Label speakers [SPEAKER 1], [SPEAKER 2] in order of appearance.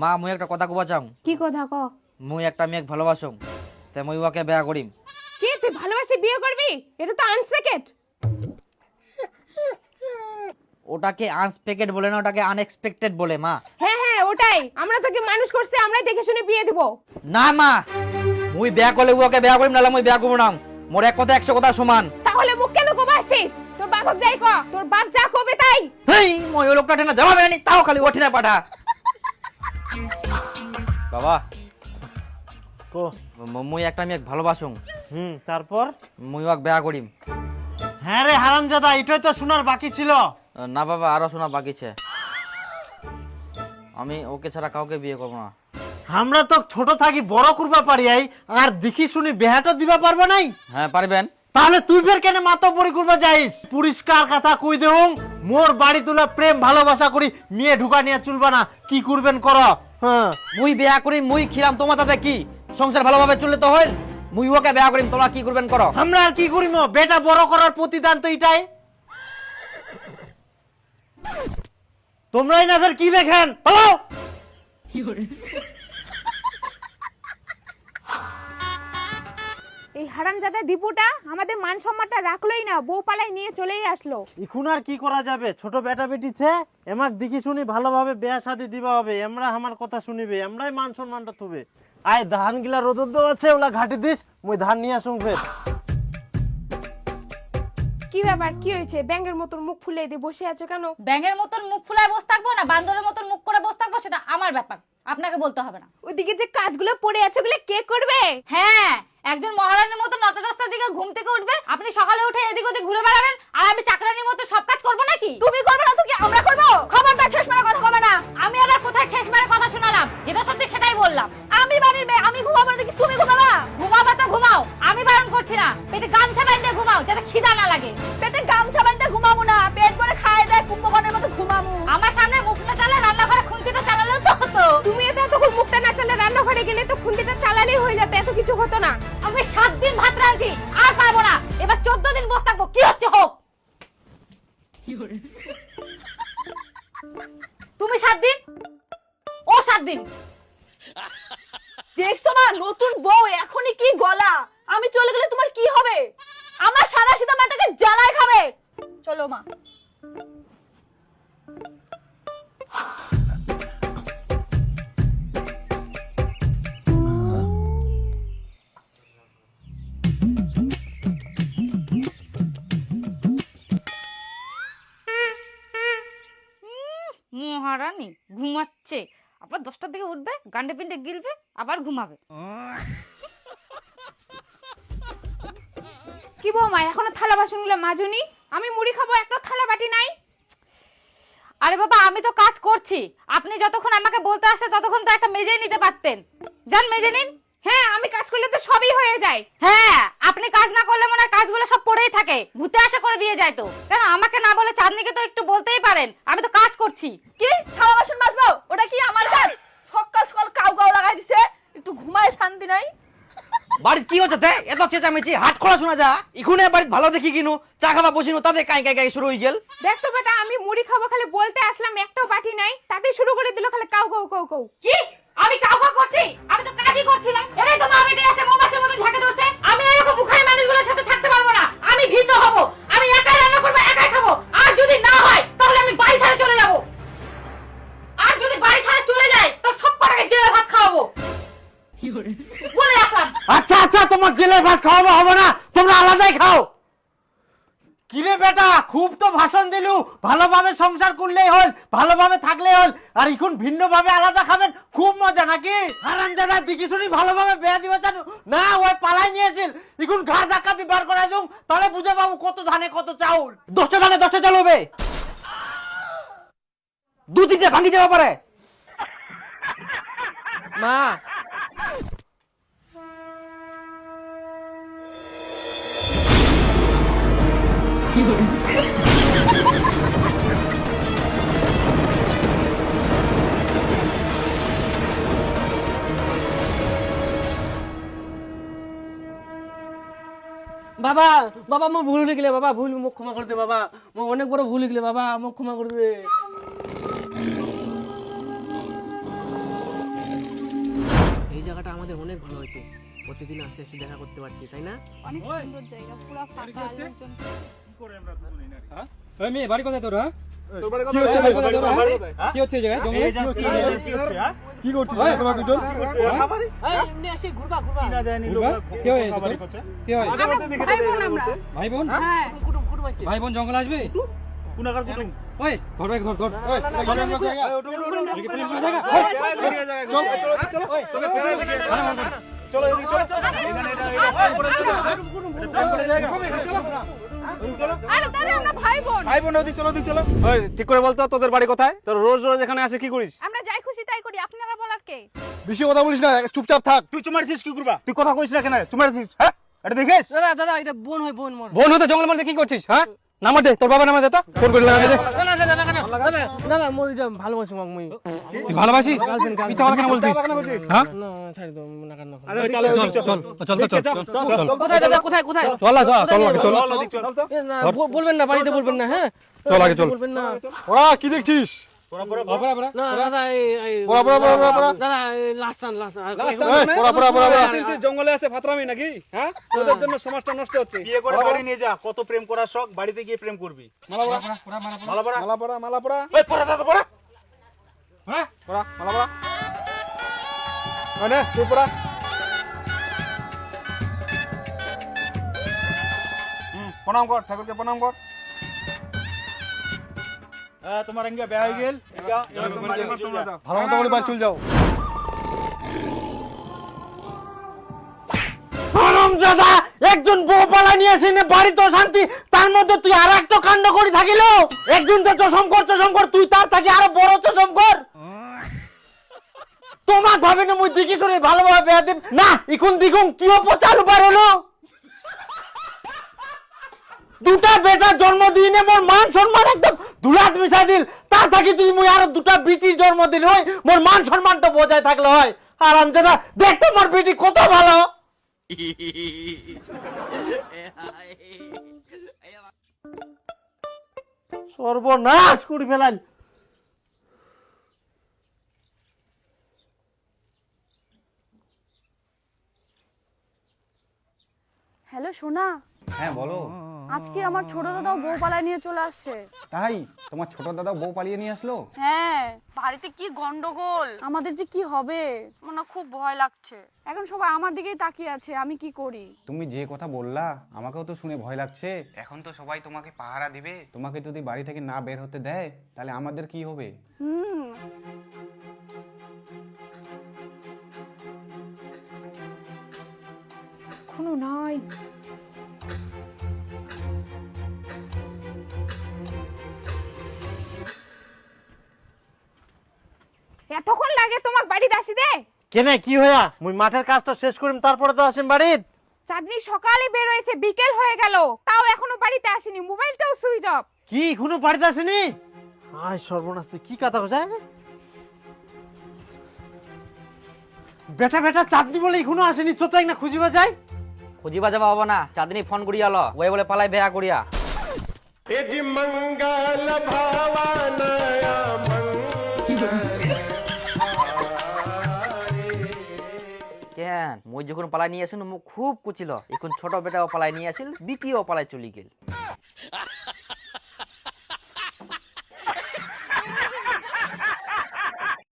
[SPEAKER 1] মা মুই একটা কথা কবা চাও।
[SPEAKER 2] কি কথা ক?
[SPEAKER 1] মুই একটা মেয়েক ভালোবাসুম, তে মুই ওকে বিয়া করিম।
[SPEAKER 2] কি তুই ভালোবাসি বিয়ে করবি? এটা তো আনএক্সপেক্টেড।
[SPEAKER 1] ওটাকে আনএক্সপেক্টেড বলে না, ওটাকে আনএক্সপেক্টেড বলে মা।
[SPEAKER 2] হ্যাঁ হ্যাঁ ওটাই, আমরা তোকে মানুষ করছি, আমরা দেখে শুনে বিয়ে দিব।
[SPEAKER 1] না মা, মুই বিয়া করলে ওকে বিয়া করিম, নালে মুই বিয়া করব না। মোর এক কথা 100 কথা সমান।
[SPEAKER 2] তাহলে মুখ কেন কোবাছিস? তোর বাপক যাই ক, তোর বাপ যা কবে তাই।
[SPEAKER 1] হেই মই ওই লোকটা টেনা জবাব দেয়নি, তাও খালি ওঠে না পাঠা। বাবা
[SPEAKER 3] কো
[SPEAKER 1] মুই একটা মেয়েক ভালোবাসুম,
[SPEAKER 3] তারপর?
[SPEAKER 1] মুই ওকে বিয়া করিম।
[SPEAKER 3] হ্যাঁ রে হারামজাদা, এটাই তো শোনার বাকি ছিল।
[SPEAKER 1] না বাবা, আরো শোনা বাকি আছে। আমি ওকে ছাড়া কাউকে বিয়ে করব না।
[SPEAKER 3] আমরা তো ছোট থাকি বড় করবা পারি আই, আর দেখি শুনি বেহাটা দিবা পারবা নাই।
[SPEAKER 1] হ্যাঁ পারবেন।
[SPEAKER 3] তাহলে তুই ফের কেন মাতব্বরি করবা যাইস? পরিষ্কার কথা কই দেউং, মোর বাড়ি তুলা প্রেম ভালোবাসা করি, মেয়ে ঢুকা নিয়ে চলবা না। কি করবেন কর। হ্যাঁ
[SPEAKER 1] মুই বিয়া করি, মুই খিলাম, তোমার তাতে কি? সংসার ভালোভাবে চললে তো হইল। মুই ওকে বিয়া করিম, তোমরা কি করবেন করো।
[SPEAKER 3] আমরা আর কি করিম? বেটা বড় করার প্রতিদান তো এটাই। তোমরাই না ফের কি দেখেন? হ্যালো,
[SPEAKER 2] এই হারামজাদা দীপুটা আমাদের মান সম্মানটা রাখলোই না, বউ পালাই নিয়ে চলেই আসলো।
[SPEAKER 3] এখন আর কি করা যাবে? ছোট বেটা বেটি ছে, এমাক দেখি শুনি ভালোভাবে বিয়া শাদি দিবা হবে। আমরা আমার কথা শুনিবে, আমরাই মান সম্মানটা থুবে। আয় ধান গিলা রোদর দেওয়া আছে, ওলা ঘাটি দিস, মুই ধান নিয়ে আসুন ফের।
[SPEAKER 2] কি ব্যাপার, কি হয়েছে? ব্যাঙের মতন মুখ ফুলে দিয়ে বসে আছো কেন?
[SPEAKER 4] ব্যাঙের মতন মুখ ফুলায় বসে থাকবো না বান্দরের মতন মুখ করে বসে থাকবো, সেটা আমার ব্যাপার, আপনাকে বলতে হবে না।
[SPEAKER 2] ওইদিকে যে কাজগুলো পড়ে আছে ওগুলো কে করবে?
[SPEAKER 4] হ্যাঁ, একজন মহারানীর মতো 9টা 10টার দিকে ঘুম থেকে উঠবে, আপনি সকালে উঠে এদিক ওদিক ঘুরে বেড়াবেন, আর আমি চাকরানির মতো সব কাজ করবো নাকি? তুমি করবে না তো কি আমরা করবো? খবরদার ঠেস মারা কথা বলবে না। আমি আবার কোথায় ঠেস মারা কথা শোনালাম? যেটা সত্যি সেটাই বললাম। আমি বাড়ির মেয়ে, আমি ঘুমাবো না দেখি তুমি ঘুমাবা? ঘুমাবা তো ঘুমাও, আমি বারণ করছি না। পেটে গামছা বাঁধতে ঘুমাও, যাতে খিদা না লাগে। পেটে গামছা বাঁধতে ঘুমাবো না, পেট ভরে খায় দেয় কুম্ভকর্ণের মতো ঘুমাবো। আমার সামনে মুখ না চালা, রান্নাঘরে খুন্তিটা চালালেও তো হতো।
[SPEAKER 2] তুমি যতক্ষণ মুখটা না চালে রান্নাঘরে গেলে তো খুন্তিটা চালালেই হয়ে যেত, এত কিছু হতো না।
[SPEAKER 4] আমি 7 দিন ভাত রাঁধছি, আর পারবো না। এবার 14 দিন বসে থাকবো, কি হচ্ছে হোক। তুমি 7 দিন, ও 7 দিন। দেখছো না নতুন বউ এখনই কি গলা। আমি চলে গেলে তোমার কি হবে? আমার সাদা সিধা মাটাকে জ্বালায় খাবে। চলো মা। মহারানী ঘুমাচ্ছে, আবার 10টার দিকে উঠবে, গান্ডে পিন্ডে গিলবে, আবার ঘুমাবে।
[SPEAKER 2] কি বৌমা, এখনো থালা বাসনগুলো মাজুনি? আমি মুড়ি খাবো, একটা থালা বাটি নাই।
[SPEAKER 4] আরে বাবা, আমি তো কাজ করছি, আপনি যতক্ষণ আমাকে বলতে আসে ততক্ষণ তো একটা মেজে নিতে পারতেন। যান মেজে নিন।
[SPEAKER 2] হ্যাঁ, আমি কাজ করলে তো সবই হয়ে যায়।
[SPEAKER 4] হ্যাঁ, আপনি কাজ না করলে মনে হয় কাজগুলো সব পড়েই থাকে, ভূতে আসে করে দিয়ে যায় তো। কেন আমাকে না বলে চাঁদনিকে তো একটু বলতেই পারেন, আমি তো কাজ করছি। কি থালা বাসন মাজবো? ওটা কি আমার কাজ? সকাল সকাল কাউ কাউ লাগাই দিছে, একটু ঘুমায় শান্তি নাই।
[SPEAKER 1] বাড়িতে কি হচ্ছে? এত চেঁচামেচি হাট খোলা শোনা যা। ইখুনে বাড়িতে ভালো দেখি কিনু, চা খাবা বসিনু, তাতে কাই কাই কাই শুরু হয়ে গেল।
[SPEAKER 2] দেখ তো বেটা, আমি মুড়ি খাবো খালি বলতে আসলাম, একটাও বাটি নাই, তাতে শুরু করে দিল খালি কাউ কাউ কাউ কাউ।
[SPEAKER 4] কি আমি কাউ কাউ করছি? আমি তো কাজই করছিলাম। এটাই তো মা বেটে এসে মৌমাছির মতো ঝাঁকে ধরছে। আমি এরকম মুখাই মানুষগুলোর সাথে থাকতে পারবো না। আমি ভিন্ন হব, আমি একাই রান্না করবো, একাই খাবো। আর যদি না হয় তাহলে আমি বাড়ি ছেড়ে চলে যাব। আর যদি বাড়ি ছেড়ে চলে যাই তো সব কটাকে জেলে ভাত খাওয়াবো বলে রাখলাম।
[SPEAKER 3] আচ্ছা আচ্ছা, তোমার জেলে ভাত খাওয়াবো হবে না, তোমরা আলাদাই খাও। কিরে বেটা, খুব তো ভাষণ দিলু, ভালোভাবে সংসার করলেই হল, ভালোভাবে থাকলেই হল, আর এখন ভিন্ন ভাবে আলাদা খাবেন, খুব মজা নাকি? হারামজাদা দেখি শুনি ভালোভাবে বিয়া দিবা জানো না? ওই পালাই নিয়েছিল, এখন ঘাড় ধাক্কা দিয়ে বার করাই দিও, তাহলে বুঝে পাবো কত ধানে কত চাউল।
[SPEAKER 1] 10টা ধানে 10টা চাল হবে, 2-3টে ভাঙি যাবে পারে। মা
[SPEAKER 5] বাবা বাবা মো ভুল হয়ে গেলে বাবা, ভুল মুখ ক্ষমা করে দে বাবা, মো অনেক বড় ভুল হয়ে গেলে বাবা, মুখ ক্ষমা করে দে। অনেক ভালো হয়েছে, প্রতিদিন আসে এসে দেখা করতে পারছি, তাই না?
[SPEAKER 2] অনেক সুন্দর জায়গা, পুরো ফাঁকা, লোকজন
[SPEAKER 6] ওই মেয়ে বাড়ি কোথায় তোর? হ্যাঁ
[SPEAKER 3] কি হচ্ছে ভাই?
[SPEAKER 6] কি হচ্ছে এই জায়গায় জঙ্গলে?
[SPEAKER 3] কি করছিস তোমরা দুজন?
[SPEAKER 5] এই এমনি আসে ঘুরবা ঘুরবা।
[SPEAKER 6] কে হয় কে হয়?
[SPEAKER 2] ভাই বোন আমরা।
[SPEAKER 6] ভাই বোন?
[SPEAKER 2] হ্যাঁ
[SPEAKER 5] কুটুম কুটুম আছে।
[SPEAKER 6] ভাই বোন জঙ্গলে আসবে? ওই ধর ভাই ধর ধর
[SPEAKER 3] এই, এটা কি আমার জায়গা?
[SPEAKER 6] এদিকে পুলিশ পুলিশ জায়গা।
[SPEAKER 2] আরে দাদা আমরা ভাই বোন।
[SPEAKER 6] ওই ঠিক করে বলতো তোদের বাড়ি কোথায়? তোর রোজ রোজ এখানে আসে কি করিস?
[SPEAKER 2] আমরা যাই খুশি তাই করি, আপনারা বলার কে?
[SPEAKER 3] বেশি কথা বলিস না, চুপচাপ থাক।
[SPEAKER 7] তুই চুমারছিস কি করবা? তুই কথা কইছ না কেন? চুমারছিস হ্যাঁ? এটা দেখিস?
[SPEAKER 5] দাদা দাদা এটা বোন হয় বোন মোর।
[SPEAKER 6] বোন হতে জঙ্গলের মধ্যে কি করছিস? হ্যাঁ নামা দে, তোর বাবা নামা দে তো, ফোন করে লাগা দে।
[SPEAKER 5] দাদা দাদা দাদা দাদা দাদা মোর এটা ভালোবাসি মাক মই।
[SPEAKER 6] তুই ভালোবাসিস? মিথ্যা কথা কেন বলছিস? হ্যাঁ
[SPEAKER 5] না ছাড় দাও না কেন।
[SPEAKER 6] চল চল চল তো চল
[SPEAKER 5] কোথায় দাদা কোথায় কোথায়?
[SPEAKER 6] চল চল চল আগে চল
[SPEAKER 5] এ না বলবেন না, বাড়িতে বলবেন না। হ্যাঁ
[SPEAKER 6] চল আগে চল।
[SPEAKER 5] বলবেন না।
[SPEAKER 3] ওরা কি দেখছিস?
[SPEAKER 5] না দাদা এই
[SPEAKER 3] পড়া।
[SPEAKER 5] দাদা লাস্ট লাস্ট
[SPEAKER 3] পড়া।
[SPEAKER 6] জঙ্গলে আছে ফাতরামি নাকি? হ্যাঁ তোদের জন্য সমাজটা নষ্ট হচ্ছে।
[SPEAKER 7] বিয়ে করে বাড়ি নিয়ে যা, কত প্রেম করার শখ, বাড়িতে গিয়ে প্রেম করবি। মালা পড়া।
[SPEAKER 6] মালা পড়া
[SPEAKER 7] ওই পড়া দাদা পড়া।
[SPEAKER 6] হ্যাঁ পড়া মালা পড়া মানে তুই পড়া। প্রণাম কর, ঠাকুরকে প্রণাম কর।
[SPEAKER 7] তোমার এঙ্গা বিয়ে হয়ে গেল।
[SPEAKER 3] ভালো মতো করে বাড়ি চলে যাও।
[SPEAKER 1] হারামজাদা, একজন বউ পালা নিয়ে এসে নে বাড়ি তো শান্তি, তার মধ্যে তুই আর একটা কাণ্ড করি থাকিল। একজন তো চশম কর, তুই তার থাকি আরো বড় চশম কর। তোমাক ভাবে না মুই দেখি শুনে ভালোভাবে বেয়া দেব না, ইকুন দিগুন কিও পচালু পার হলো। দুটা বেটা জন্ম দিনে মোর মান সম্মান একদম ধুলাত মিশা দিল, তার থাকি তুই মুই আরো দুটা বিটির জন্ম দিল, হয় মোর মান সম্মানটা বজায় থাকলে হয়। হারামজাদা, দেখতে মোর বিটি কত ভালো। সর্বনাশ করে ফেলাল।
[SPEAKER 8] হ্যালো সোনা,
[SPEAKER 9] হ্যাঁ বলো।
[SPEAKER 8] আজকে আমার ছোট দাদাও বউ পালায় নিয়ে চলে আসছে।
[SPEAKER 9] তাই তোমার ছোট দাদা বউ পালিয়ে নিয়ে আসলো?
[SPEAKER 8] হ্যাঁ, বাড়িতে কি গন্ডগোল, আমাদের যে কি হবে মনে খুব ভয় লাগছে। এখন সবাই আমার দিকেই তাকিয়ে আছে, আমি কি করি?
[SPEAKER 9] তুমি যে কথা বললা আমাকেও তো শুনে ভয় লাগছে। এখন তো সবাই তোমাকে পাহারা দিবে, তোমাকে যদি বাড়ি থেকে না বের হতে দেয় তাহলে আমাদের কি হবে?
[SPEAKER 2] কোনো নাই। এতক্ষণ লাগে তোমাক বাড়িতে আসিতে?
[SPEAKER 1] কেনে কি হইয়া? মুই মাঠের কাজটা শেষ করিম, তারপরে তো আসিম বাড়িত।
[SPEAKER 2] চাঁদনি সকালে বের হয়েছে, বিকেল হয়ে গেল, তাও এখনো বাড়িতে আসেনি, মোবাইলটাও সুইচ অফ।
[SPEAKER 1] কি এখনো বাড়িতে আসেনি? আয় সর্বনাশ, তুই কি কথা কইছ? বেটা চাঁদনি বলে এখনো আসেনি, চোদ্দ না খুঁজিবা যায়।
[SPEAKER 10] খুঁজিবা যাবা হবো না, চাঁদনি ফোন করিয়া ল, ওই বলে পালাই বেয়া করিয়া। কেন মই যখন পালাই নিয়ে আসিল মোক খুব কুচিল, এখন ছোট বেটাও পালাই নিয়ে আসিল, দ্বিতীয় পালাই চলি গেল।